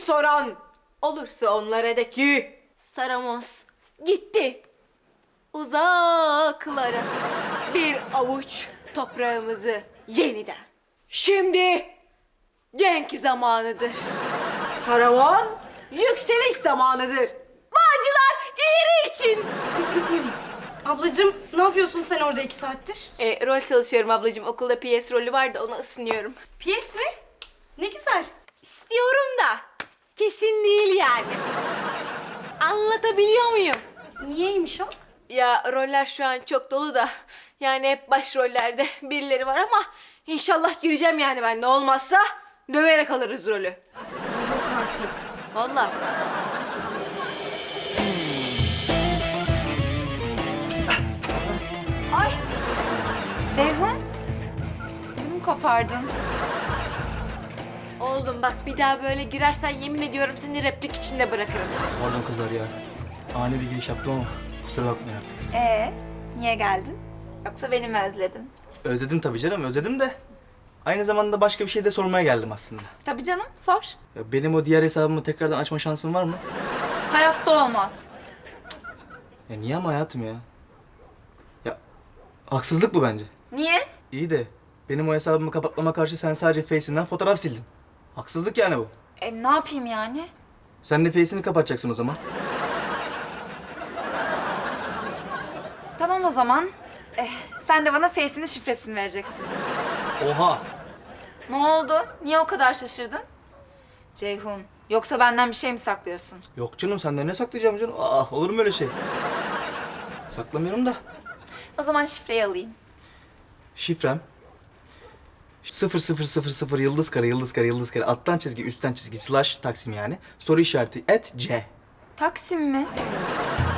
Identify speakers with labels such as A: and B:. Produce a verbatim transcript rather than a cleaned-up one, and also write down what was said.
A: soran olursa onlara de ki Saramos gitti uzaklara bir avuç toprağımızı yeniden. Şimdi genk zamanıdır. Saramon yükseliş zamanıdır. Bağcılar ileri için.
B: Ablacığım ne yapıyorsun sen orada iki saattir?
A: E, rol çalışıyorum ablacığım. Okulda piyes rolü var da ona ısınıyorum.
B: Piyes mi? Ne güzel.
A: İstiyorum da kesin değil yani. Anlatabiliyor muyum?
B: Niyeymiş o?
A: Ya roller şu an çok dolu da yani hep başrollerde birileri var ama inşallah gireceğim yani ben. Ne olmazsa döverek alırız rolü.
B: Yok artık.
A: Vallahi.
C: Ay! Ceyhun, ödümü kopardın.
A: Oğlum bak bir daha böyle girersen yemin ediyorum seni replik içinde bırakırım.
D: Pardon kızlar ya. Ani bir giriş yaptım ama kusura bakmayın artık.
C: Ee, niye geldin? Yoksa beni mi özledin?
D: Özledim tabii canım, özledim de. Aynı zamanda başka bir şey de sormaya geldim aslında.
C: Tabii canım, sor.
D: Ya benim o diğer hesabımı tekrardan açma şansın var mı?
C: Hayatta olmaz.
D: Ya niye ama hayatım ya? Ya haksızlık bu bence.
C: Niye?
D: İyi de benim o hesabımı kapatmama karşı sen sadece Face'inden fotoğraf sildin. Haksızlık yani bu.
C: E, ne yapayım yani?
D: Sen de Face'ini kapatacaksın o zaman.
C: Tamam o zaman. Eh, sen de bana Face'inin şifresini vereceksin.
D: Oha!
C: Ne oldu? Niye o kadar şaşırdın? Ceyhun, yoksa benden bir şey mi saklıyorsun?
D: Yok canım, senden ne saklayacağım canım? Aa, olur mu öyle şey? Saklamıyorum da.
C: O zaman şifreyi alayım.
D: Şifrem sıfır sıfır sıfır sıfır yıldız kare yıldız kare yıldız kare alttan çizgi üstten çizgi slash taksim yani soru işareti et c.
C: Taksim mi?